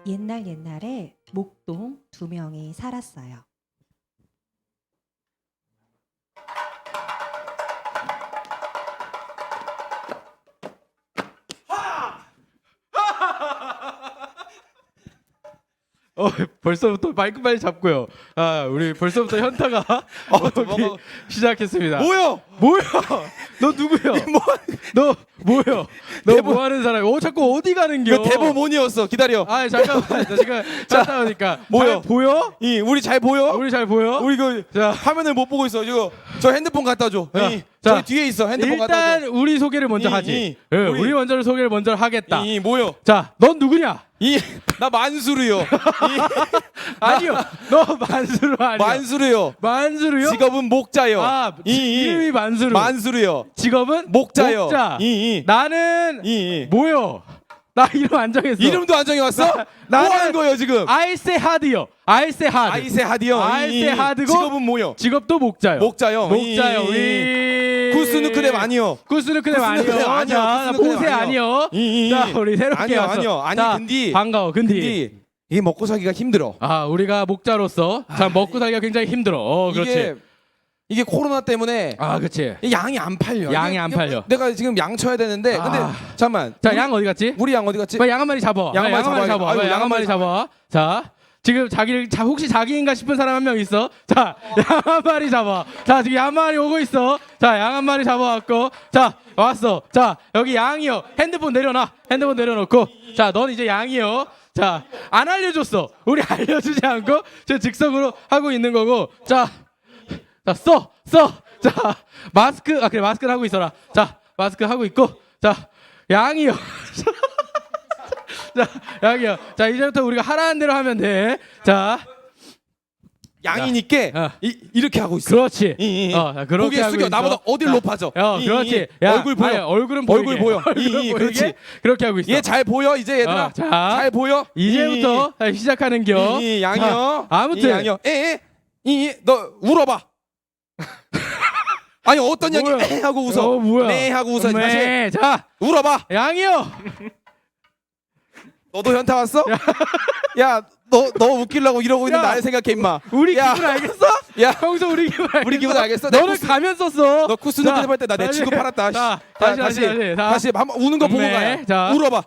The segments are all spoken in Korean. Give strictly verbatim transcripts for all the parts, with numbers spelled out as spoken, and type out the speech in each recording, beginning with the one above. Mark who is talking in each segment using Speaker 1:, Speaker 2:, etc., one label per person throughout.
Speaker 1: 옛날 옛날에 목동 두 명이 살았어요.
Speaker 2: 어 벌써부터 마이크 빨리 잡고요. 아 우리 벌써부터 현타가
Speaker 3: 어, 또
Speaker 2: 오기
Speaker 3: 뭐가-
Speaker 2: 시작했습니다.
Speaker 3: 뭐요?
Speaker 2: 뭐야? 너 누구야?
Speaker 3: 뭐
Speaker 2: 너 뭐야? 너
Speaker 3: 대본-
Speaker 2: 뭐 하는 사람이야? 어 자꾸 어디 가는겨?
Speaker 3: 이거 대본몬이었어. 기다려.
Speaker 2: 아 잠깐만 나 지금 찾다 보니까
Speaker 3: 뭐요?
Speaker 2: 잘 보여?
Speaker 3: 이 우리 잘 보여?
Speaker 2: 우리 잘 보여?
Speaker 3: 우리 그
Speaker 2: 자
Speaker 3: 화면을 못 보고 있어. 이거 저 핸드폰 갖다 줘.
Speaker 2: 자,
Speaker 3: 이,
Speaker 2: 자,
Speaker 3: 저기 뒤에 있어. 핸드폰 갖다
Speaker 2: 일단 우리 소개를 먼저
Speaker 3: 이,
Speaker 2: 하지.
Speaker 3: 이,
Speaker 2: 예,
Speaker 3: 우리-
Speaker 2: 우리, 먼저 소개를 먼저
Speaker 3: 줘.
Speaker 2: 하겠다.
Speaker 3: 이, 이 뭐요?
Speaker 2: 자, 넌 누구냐?
Speaker 3: 이 나 만수르요.
Speaker 2: 아니요, 너 만수르 아니야.
Speaker 3: 만수르요.
Speaker 2: 만수르요?
Speaker 3: 직업은 목자요.
Speaker 2: 아,
Speaker 3: 이, 이.
Speaker 2: 이름이 만수르.
Speaker 3: 만수르요.
Speaker 2: 직업은
Speaker 3: 목자요.
Speaker 2: 목자.
Speaker 3: 이, 이.
Speaker 2: 나는
Speaker 3: 이, 이.
Speaker 2: 뭐요? 나 이름 안 정했어.
Speaker 3: 이름도 안 정해 왔어?
Speaker 2: 나-
Speaker 3: 뭐
Speaker 2: 나는-
Speaker 3: 하는 거예요 지금?
Speaker 2: 아이세 하드요. 아이세 하드.
Speaker 3: 아이세 하디요.
Speaker 2: 아이세
Speaker 3: 이, 이.
Speaker 2: 하드고
Speaker 3: 직업은 뭐요?
Speaker 2: 직업도 목자요.
Speaker 3: 목자요.
Speaker 2: 목자요.
Speaker 3: 이, 이.
Speaker 2: 우리
Speaker 3: 구스누크랩 아니요.
Speaker 2: 구스누크랩
Speaker 3: 구스누크랩
Speaker 2: 아니요.
Speaker 3: 아니요.
Speaker 2: 자,
Speaker 3: 구스누크랩
Speaker 2: 보세
Speaker 3: 아니요.
Speaker 2: 아니요.
Speaker 3: 이, 이.
Speaker 2: 자, 우리 새롭게
Speaker 3: 아니요,
Speaker 2: 왔어.
Speaker 3: 아니요. 아니,
Speaker 2: 자,
Speaker 3: 근데-
Speaker 2: 반가워. 근데
Speaker 3: 근데 이게 먹고 살기가 힘들어.
Speaker 2: 아, 우리가 목자로서 자, 먹고 살기가 굉장히 힘들어. 어, 그렇지.
Speaker 3: 이게 이게 코로나 때문에
Speaker 2: 아, 그렇지.
Speaker 3: 이 양이 안 팔려.
Speaker 2: 양이
Speaker 3: 이게-
Speaker 2: 안
Speaker 3: 이게
Speaker 2: 팔려.
Speaker 3: 내가 지금 양 쳐야 되는데
Speaker 2: 아.
Speaker 3: 근데 잠깐만.
Speaker 2: 자,
Speaker 3: 우리,
Speaker 2: 양 어디 갔지?
Speaker 3: 우리 양 어디 갔지?
Speaker 2: 빨리 양 한 마리 잡아.
Speaker 3: 양
Speaker 2: 빨리
Speaker 3: 한 마리
Speaker 2: 양 한 마리
Speaker 3: 잡아야겠다.
Speaker 2: 잡아.
Speaker 3: 아이고,
Speaker 2: 빨리 양 한 마리 잡아. 자, 지금 자기를 자 혹시 자기인가 싶은 사람 한 명 있어? 자, 양 한 마리 잡아. 자, 지금 양 한 마리 오고 있어. 자, 양 한 마리 잡아왔고, 자, 왔어. 자, 여기 양이요. 핸드폰 내려놔. 핸드폰 내려놓고, 자, 넌 이제 양이요. 자, 안 알려줬어. 우리 알려주지 않고 저 즉석으로 하고 있는 거고, 자, 자, 써, 써. 자, 마스크, 아 그래 마스크를 하고 있어라. 자, 마스크 하고 있고, 자, 양이요. 자, 양이요. 자, 이제부터 우리가 하라는 대로 하면 돼. 자,
Speaker 3: 양이니까
Speaker 2: 어.
Speaker 3: 이, 이렇게 하고 있어.
Speaker 2: 그렇지.
Speaker 3: 이, 이.
Speaker 2: 어, 자, 그렇게
Speaker 3: 고개
Speaker 2: 하고
Speaker 3: 숙여.
Speaker 2: 있어.
Speaker 3: 나보다 어딜
Speaker 2: 자,
Speaker 3: 높아져.
Speaker 2: 어,
Speaker 3: 이,
Speaker 2: 그렇지.
Speaker 3: 이.
Speaker 2: 야,
Speaker 3: 얼굴 보여.
Speaker 2: 아니, 얼굴은
Speaker 3: 얼굴
Speaker 2: 보이게.
Speaker 3: 보여.
Speaker 2: 얼굴은
Speaker 3: 이, 이.
Speaker 2: 보이게.
Speaker 3: 그렇지.
Speaker 2: 그렇게 하고 있어.
Speaker 3: 얘 잘 보여 이제 얘들아.
Speaker 2: 어, 자,
Speaker 3: 잘 보여.
Speaker 2: 이제부터 자, 시작하는겨.
Speaker 3: 이, 이 양이요.
Speaker 2: 자, 아무튼
Speaker 3: 이 양이요. 에, 이, 이. 너 울어봐. 아니 어떤 양이
Speaker 2: 뭐야?
Speaker 3: 에 하고 웃어.
Speaker 2: 어, 뭐야?
Speaker 3: 네 하고 웃어. 다시
Speaker 2: 네, 자,
Speaker 3: 울어봐.
Speaker 2: 양이요.
Speaker 3: 너도 현타 왔어? 야, 너 너 웃기려고 이러고 있는
Speaker 2: 야.
Speaker 3: 나를 생각해 임마.
Speaker 2: 우리
Speaker 3: 야.
Speaker 2: 기분 알겠어?
Speaker 3: 야,
Speaker 2: 평소 우리 기분 알겠어?
Speaker 3: 우리 기분 알겠어? 내
Speaker 2: 너는
Speaker 3: 쿠스-
Speaker 2: 가면 썼어.
Speaker 3: 너 쿠스누크
Speaker 2: 자,
Speaker 3: 할때 나 내
Speaker 2: 다시.
Speaker 3: 친구 팔았다.
Speaker 2: 자,
Speaker 3: 씨.
Speaker 2: 다시, 다시, 다시. 자.
Speaker 3: 다시 한번 우는 거 보고
Speaker 2: 음메.
Speaker 3: 가요.
Speaker 2: 자.
Speaker 3: 울어봐.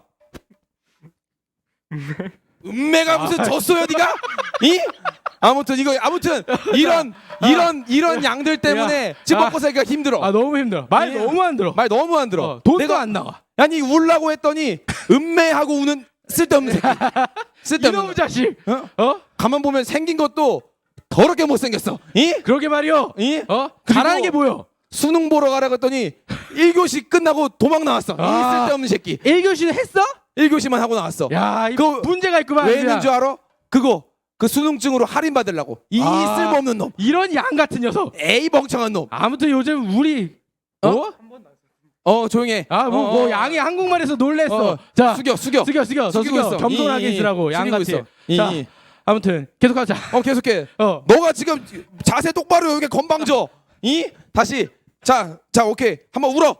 Speaker 3: 음메가 무슨 졌어요, 네가? 이? 아무튼 이거 아무튼 이런 이런 이런 양들 때문에 집
Speaker 2: 아.
Speaker 3: 먹고 살기가 힘들어.
Speaker 2: 아, 너무 힘들어. 말
Speaker 3: 예.
Speaker 2: 너무 안 들어.
Speaker 3: 말 너무 안 들어.
Speaker 2: 어, 돈도
Speaker 3: 내가
Speaker 2: 안 나와.
Speaker 3: 아니 울라고 했더니 음메하고 우는 쓸데없는 새끼. 쓸데없는.
Speaker 2: 이놈의 자식.
Speaker 3: 어?
Speaker 2: 어?
Speaker 3: 가만 보면 생긴 것도 더럽게 못 생겼어. 이?
Speaker 2: 그러게 말이요.
Speaker 3: 이?
Speaker 2: 어?
Speaker 3: 그리고-
Speaker 2: 잘하는 게 보여.
Speaker 3: 수능 보러 가라고 했더니 일 교시 끝나고 도망 나왔어.
Speaker 2: 아.
Speaker 3: 이 쓸데없는 새끼.
Speaker 2: 일 교시는 했어?
Speaker 3: 일 교시만 하고 나왔어.
Speaker 2: 야, 이
Speaker 3: 그거
Speaker 2: 문제가 있구만.
Speaker 3: 왜 있는 줄 알아? 그거 그 수능증으로 할인 받으려고. 이
Speaker 2: 아.
Speaker 3: 쓸모없는 놈.
Speaker 2: 이런 양 같은 녀석.
Speaker 3: 에이 멍청한 놈.
Speaker 2: 아무튼 요즘 우리 어?
Speaker 3: 어? 어 조용해.
Speaker 2: 아, 뭐,
Speaker 3: 어,
Speaker 2: 뭐
Speaker 3: 어.
Speaker 2: 양이 한국말에서 놀랬어.
Speaker 3: 어.
Speaker 2: 자,
Speaker 3: 숙여 숙여.
Speaker 2: 숙여 숙여 더
Speaker 3: 숙이고
Speaker 2: 숙여
Speaker 3: 있어.
Speaker 2: 겸손하게
Speaker 3: 이, 이,
Speaker 2: 있으라고 양
Speaker 3: 숙이고
Speaker 2: 같이.
Speaker 3: 있어. 이,
Speaker 2: 자,
Speaker 3: 이.
Speaker 2: 아무튼 계속하자.
Speaker 3: 어 계속해.
Speaker 2: 어.
Speaker 3: 너가 지금 자세 똑바로 여기 건방져. 이 다시 자 자 오케이 한번 울어.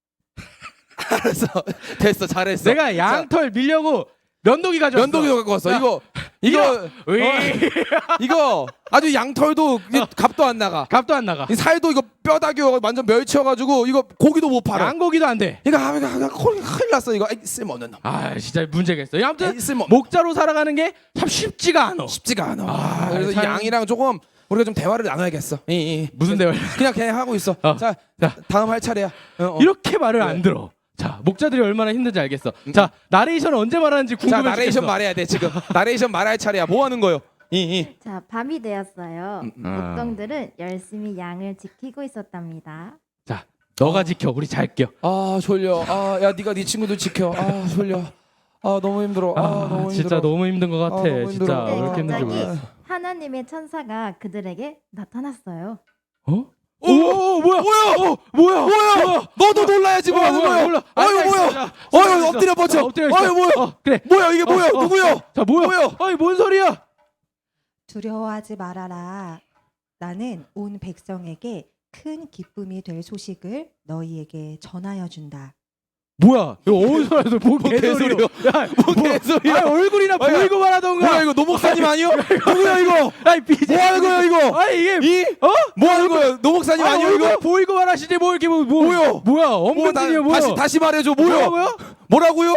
Speaker 3: 알았어 됐어 잘했어.
Speaker 2: 내가
Speaker 3: 자,
Speaker 2: 양털 밀려고 면도기 가져왔어.
Speaker 3: 면도기도 갖고 왔어.
Speaker 2: 자,
Speaker 3: 이거 이거
Speaker 2: 으이.
Speaker 3: 어, 이거 아주 양털도 이게 값도 안 나가.
Speaker 2: 값도 안 나가.
Speaker 3: 이 살도 이거 뼈다귀 완전 멸치여가지고 이거 고기도 못 팔아.
Speaker 2: 양고기도 안 돼.
Speaker 3: 이거 아, 이거 아, 큰일 큰일 났어 이거. 에이, 쓸모없는 놈.
Speaker 2: 아, 진짜 문제가 있어. 아무튼
Speaker 3: 에이, 쓸모
Speaker 2: 목자로 살아가는 게 참 쉽지가 않아.
Speaker 3: 쉽지가 않아.
Speaker 2: 아,
Speaker 3: 그래서
Speaker 2: 참-
Speaker 3: 이 양이랑 조금 우리가 좀 대화를 나눠야겠어. 이, 이.
Speaker 2: 무슨 대화를?
Speaker 3: 그냥 그냥 하고 있어.
Speaker 2: 어.
Speaker 3: 자,
Speaker 2: 자.
Speaker 3: 다음 할 차례야. 어, 어.
Speaker 2: 이렇게 말을
Speaker 3: 네.
Speaker 2: 안 들어. 자, 목자들이 얼마나 힘든지 알겠어. 자, 나레이션 언제 말하는지
Speaker 3: 자
Speaker 2: 궁금해.
Speaker 3: 나레이션
Speaker 2: 죽겠어.
Speaker 3: 말해야 돼 지금. 나레이션 말할 차례야. 뭐 하는 거요? 이, 이.
Speaker 4: 자, 밤이 되었어요.
Speaker 3: 음,
Speaker 4: 목동들은 열심히 양을 지키고 있었답니다.
Speaker 2: 자, 너가 지켜. 우리 잘게요.
Speaker 3: 아 졸려. 아 야 네가 네 친구들 지켜. 아 졸려. 아 너무 힘들어. 아,
Speaker 2: 아,
Speaker 3: 너무
Speaker 2: 진짜
Speaker 3: 힘들어.
Speaker 2: 너무 힘든 것 같아.
Speaker 3: 아, 너무
Speaker 2: 진짜
Speaker 3: 힘들어.
Speaker 2: 왜 이렇게
Speaker 4: 네,
Speaker 2: 힘든지
Speaker 4: 갑자기
Speaker 2: 모르겠어.
Speaker 4: 하나님의 천사가 그들에게 나타났어요.
Speaker 2: 어? 오, 오, 뭐야?
Speaker 3: 뭐야?
Speaker 2: 어, 뭐야?
Speaker 3: 뭐야? 너도 놀라야지 뭐
Speaker 2: 어,
Speaker 3: 하는 거야?
Speaker 2: 몰라.
Speaker 3: 아유
Speaker 2: 앉아
Speaker 3: 뭐야?
Speaker 2: 있어, 자,
Speaker 3: 어휴
Speaker 2: 앉아 있어.
Speaker 3: 엎드려 뻗쳐.
Speaker 2: 자, 엎드려 있어.
Speaker 3: 아유 뭐야?
Speaker 2: 어, 그래.
Speaker 3: 뭐야 이게 뭐야?
Speaker 2: 어, 어,
Speaker 3: 누구야?
Speaker 2: 자, 뭐야?
Speaker 3: 뭐야?
Speaker 2: 아니, 뭔 소리야?
Speaker 1: 두려워하지 말아라. 나는 온 백성에게 큰 기쁨이 될 소식을 너희에게 전하여 준다.
Speaker 2: 뭐야? 이거 어디서 나서 뭐
Speaker 3: 개소리요?
Speaker 2: 개소리요? 야,
Speaker 3: 뭐 개소리야?
Speaker 2: 아니, 얼굴이나
Speaker 3: 아니,
Speaker 2: 보이고 말하던가.
Speaker 3: 뭐야 이거 노목사님 아니요? 누구야 이거?
Speaker 2: 아니 비제.
Speaker 3: 뭐 하는 거야 이거?
Speaker 2: 아니 이게
Speaker 3: 이?
Speaker 2: 어?
Speaker 3: 뭐 하는 거야? 노목사님
Speaker 2: 아니,
Speaker 3: 아니요
Speaker 2: 얼굴
Speaker 3: 이거?
Speaker 2: 보이고 말하시지 뭐 이렇게 뭐, 뭐
Speaker 3: 뭐요?
Speaker 2: 뭐야?
Speaker 3: 뭐, 나,
Speaker 2: 엄근진이야 뭐야?
Speaker 3: 다시 다시 말해줘 뭐요?
Speaker 2: 뭐라고요?
Speaker 3: 뭐라고요?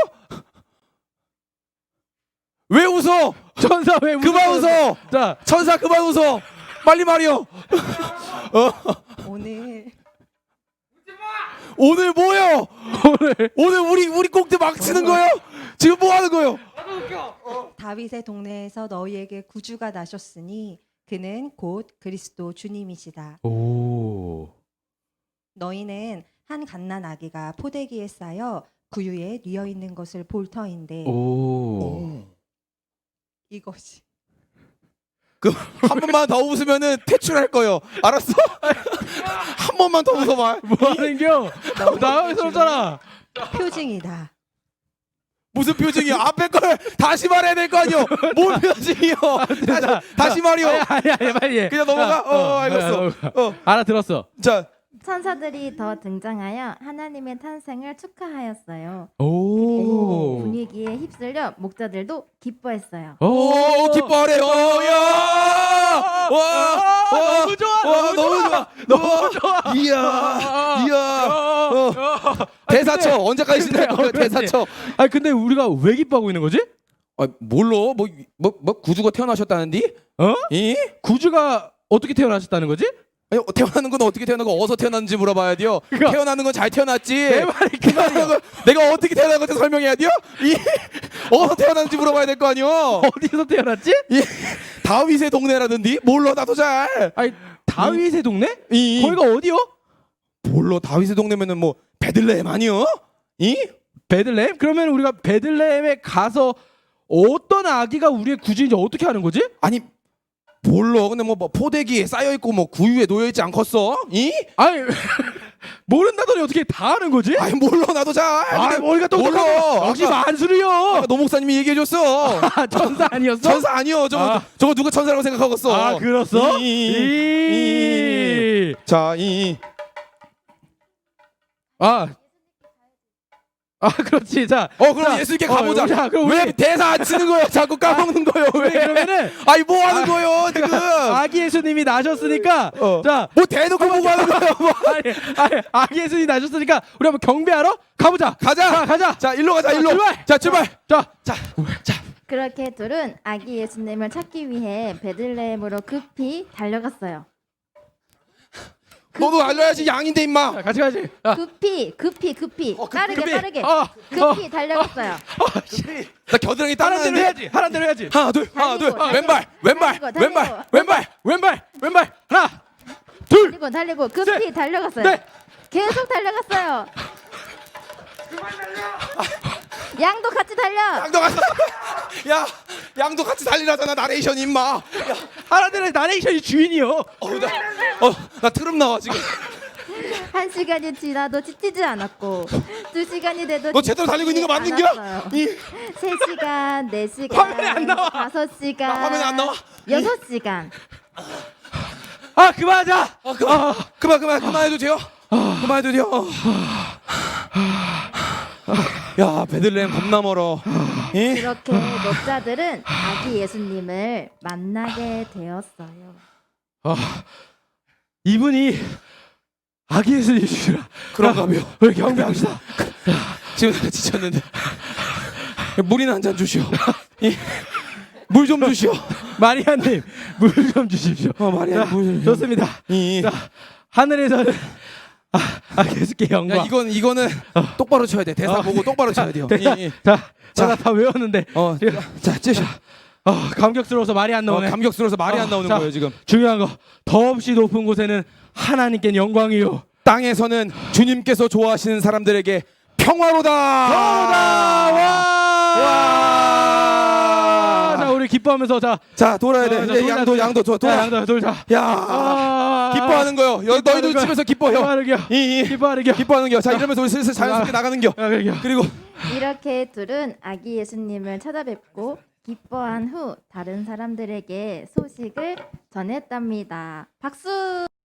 Speaker 3: 왜 웃어?
Speaker 2: 천사 왜
Speaker 3: 그만
Speaker 2: 웃어?
Speaker 3: 웃어.
Speaker 2: 자,
Speaker 3: 천사 그만 웃어. 빨리 말이요.
Speaker 1: 오늘
Speaker 3: 오늘 뭐요?
Speaker 2: 오늘
Speaker 3: 오늘 우리 우리 꼭대 막 치는 거요? 지금 뭐 하는 거요?
Speaker 1: 다윗의 동네에서 너희에게 구주가 나셨으니 그는 곧 그리스도 주님이시다.
Speaker 2: 오.
Speaker 1: 너희는 한 갓난 아기가 포대기에 쌓여 구유에 뉘어 있는 것을 볼 터인데
Speaker 2: 오.
Speaker 1: 이것이
Speaker 3: 그 한 번만 더 웃으면은 퇴출할 거요. 알았어? 한 번만 더 웃어봐.
Speaker 2: 뭐 하는겨? 나가서잖아.
Speaker 1: 표징이다.
Speaker 3: 무슨 표정이야? 앞에 걸 다시 말해야 될 거 아니요? 뭔 표정이요? 다시, 다시 말이요.
Speaker 2: 아니 아니 아니 빨리 해.
Speaker 3: 그냥 넘어가?
Speaker 2: 야,
Speaker 3: 어, 알겠어.
Speaker 2: 넘어가.
Speaker 3: 어,
Speaker 2: 알아들었어.
Speaker 3: 자,
Speaker 4: 천사들이 더 등장하여 하나님의 탄생을 축하하였어요.
Speaker 2: 오.
Speaker 4: 분위기에 휩쓸려 목자들도 기뻐했어요.
Speaker 3: 오, 기뻐하래. 오, 야, 와, 와,
Speaker 2: 너무 좋아.
Speaker 3: 와, 너무 좋아. 너무 좋아. 이야, 이야. 어. 대사 쳐. 언제까지 신날 거야? 대사 쳐.
Speaker 2: 아니 근데 우리가 왜 기뻐하고 있는 거지?
Speaker 3: 아, 뭘로? 뭐, 뭐, 뭐 구주가 태어나셨다는디?
Speaker 2: 어?
Speaker 3: 이?
Speaker 2: 구주가 어떻게 태어나셨다는 거지?
Speaker 3: 아니, 태어나는 건 어떻게 태어나고 어디서 태어났는지 물어봐야 돼요.
Speaker 2: 그러니까
Speaker 3: 태어나는 건 잘 태어났지.
Speaker 2: 내 말이 그
Speaker 3: 태어나는 건 내가 어떻게 태어난 건지 설명해야 돼요. 이 어디서 태어났는지 물어봐야 될 거 아니요.
Speaker 2: 어디서 태어났지?
Speaker 3: 이 다윗의 동네라든지 몰라 나도 잘.
Speaker 2: 아니 다윗의 동네?
Speaker 3: 이
Speaker 2: 거기가 어디요?
Speaker 3: 몰라 다윗의 동네면은 뭐 베들레헴 아니요? 이
Speaker 2: 베들레헴? 그러면 우리가 베들레헴에 가서 어떤 아기가 우리의 구주인지 어떻게 아는 거지?
Speaker 3: 아니 몰라. 근데 뭐, 뭐 포대기에 쌓여 있고 뭐 구유에 놓여 있지 않겠어? 이?
Speaker 2: 아니 모른다더니 어떻게 다 아는 거지?
Speaker 3: 아니 몰라 나도 잘.
Speaker 2: 아,
Speaker 3: 근데
Speaker 2: 머리가 또
Speaker 3: 몰라.
Speaker 2: 역시
Speaker 3: 아까-
Speaker 2: 만수르요.
Speaker 3: 아까 노 목사님이 얘기해 줬어.
Speaker 2: 아, 천사 아니었어?
Speaker 3: 천사 아니요. 저거
Speaker 2: 아.
Speaker 3: 저거 누가 천사라고 생각하겠어?
Speaker 2: 아, 그렇어?
Speaker 3: 이, 이, 이,
Speaker 2: 이.
Speaker 3: 자, 이
Speaker 2: 아. 아, 그렇지. 자.
Speaker 3: 어 그럼
Speaker 2: 자,
Speaker 3: 예수님께
Speaker 2: 어,
Speaker 3: 가보자.
Speaker 2: 자, 그럼
Speaker 3: 왜
Speaker 2: 우리
Speaker 3: 대사 안 치는 거예요? 자꾸 까먹는 거예요?
Speaker 2: 우리
Speaker 3: 왜?
Speaker 2: 그러면은
Speaker 3: 아니 뭐 하는 거예요 지금?
Speaker 2: 아기 예수님이 나셨으니까
Speaker 3: 어.
Speaker 2: 자,
Speaker 3: 뭐 대놓고 보고 하는 거예요? 뭐.
Speaker 2: 아니, 아니, 아기 예수님이 나셨으니까 우리 한번 경배하러 가보자.
Speaker 3: 가자.
Speaker 2: 자, 가자.
Speaker 3: 자 일로 가자
Speaker 2: 자,
Speaker 3: 일로.
Speaker 2: 출발.
Speaker 3: 자 출발.
Speaker 2: 자,
Speaker 3: 자, 자.
Speaker 4: 그렇게 둘은 아기 예수님을 찾기 위해 베들레헴으로 급히 달려갔어요.
Speaker 3: 너도 알려야지 양인데 임마.
Speaker 2: 자, 같이 가지. 야.
Speaker 4: 급히 급히 급히
Speaker 3: 어, 급-
Speaker 4: 빠르게
Speaker 3: 급히.
Speaker 4: 빠르게
Speaker 2: 어,
Speaker 4: 급히 달려갔어요.
Speaker 3: 나 겨드랑이
Speaker 2: 하란 대로
Speaker 3: 땀나는데.
Speaker 2: 해야지. 하란 대로 해야지.
Speaker 3: 하나 둘 하나 둘.
Speaker 4: 달리고,
Speaker 3: 왼발 왼발
Speaker 4: 달리고,
Speaker 3: 왼발
Speaker 4: 달리고.
Speaker 3: 왼발.
Speaker 2: 왼발, 왼발. 하나, 둘,
Speaker 4: 달리고 달리고 급히
Speaker 2: 셋,
Speaker 4: 달려갔어요.
Speaker 2: 넷.
Speaker 4: 계속 달려갔어요. 양도 같이 달려.
Speaker 3: 양도 같이. 야 양도 같이 달리라잖아 나레이션 임마. 야,
Speaker 2: 하란 대로 나레이션이 주인이요.
Speaker 3: 어나어나 트름 나와 지금.
Speaker 4: 한 시간이 지나도 지치지 않았고 두 시간이 돼도
Speaker 3: 너 제대로 달리고 있는 거 맞는겨? 이
Speaker 4: 세 시간, 네 시간,
Speaker 2: 화면에 안 나와.
Speaker 4: 다섯 시간,
Speaker 3: 나 화면에 안 나와.
Speaker 4: 여섯 시간.
Speaker 2: 아, 그만하자.
Speaker 3: 아, 그만, 그만, 그만, 그만해도 돼요? 그만해도 돼요? 야, 베들레헴 겁나 멀어. 이?
Speaker 4: 그렇게 목자들은 아기 예수님을 만나게 되었어요.
Speaker 2: 아, 이분이 아기 예수님이시라.
Speaker 3: 그런가며.
Speaker 2: 우리 경배합시다.
Speaker 3: 지금 내가 지쳤는데. 물이나 한 잔 주시오. 물 좀 주시오.
Speaker 2: 마리아님, 물 좀 주십시오.
Speaker 3: 어, 마리아,
Speaker 2: 자,
Speaker 3: 물 좀.
Speaker 2: 좋습니다.
Speaker 3: 이.
Speaker 2: 자, 하늘에서는 아, 아 예수께 영광.
Speaker 3: 야, 이건, 이거는 똑바로 쳐야 돼. 대사
Speaker 2: 어.
Speaker 3: 보고 똑바로 쳐야 돼요.
Speaker 2: 자,
Speaker 3: 이, 이.
Speaker 2: 자,
Speaker 3: 자.
Speaker 2: 제가 다 외웠는데
Speaker 3: 어,
Speaker 2: 지금,
Speaker 3: 자, 찌셔.
Speaker 2: 아, 감격스러워서 말이 안
Speaker 3: 어,
Speaker 2: 나오네.
Speaker 3: 감격스러워서 말이
Speaker 2: 어,
Speaker 3: 안 나오는
Speaker 2: 자.
Speaker 3: 거예요, 지금.
Speaker 2: 중요한 거, 더없이 높은 곳에는 하나님께 영광이요.
Speaker 3: 땅에서는 주님께서 좋아하시는 사람들에게 평화로다.
Speaker 2: 평화로다. 와!
Speaker 3: 와!
Speaker 2: 자, 우리 기뻐하면서 자,
Speaker 3: 자, 돌아야 돼.
Speaker 2: 자,
Speaker 3: 이제
Speaker 2: 돌자,
Speaker 3: 양도,
Speaker 2: 돌자.
Speaker 3: 양도, 도,
Speaker 2: 자,
Speaker 3: 돌아.
Speaker 2: 양도 돌자.
Speaker 3: 야,
Speaker 2: 아,
Speaker 3: 기뻐하는 거요. 여,
Speaker 2: 기뻐하는
Speaker 3: 너희도
Speaker 2: 거야.
Speaker 3: 집에서 기뻐해요.
Speaker 2: 기뻐하는 겨.
Speaker 3: 이, 이.
Speaker 2: 기뻐하는 겨.
Speaker 3: 기뻐하는 겨. 자, 이러면서 우리 슬슬 자연스럽게 나가는 겨.
Speaker 2: 야, 그래, 겨.
Speaker 3: 그리고
Speaker 4: 이렇게 둘은 아기 예수님을 찾아뵙고 기뻐한 후 다른 사람들에게 소식을 전했답니다. 박수!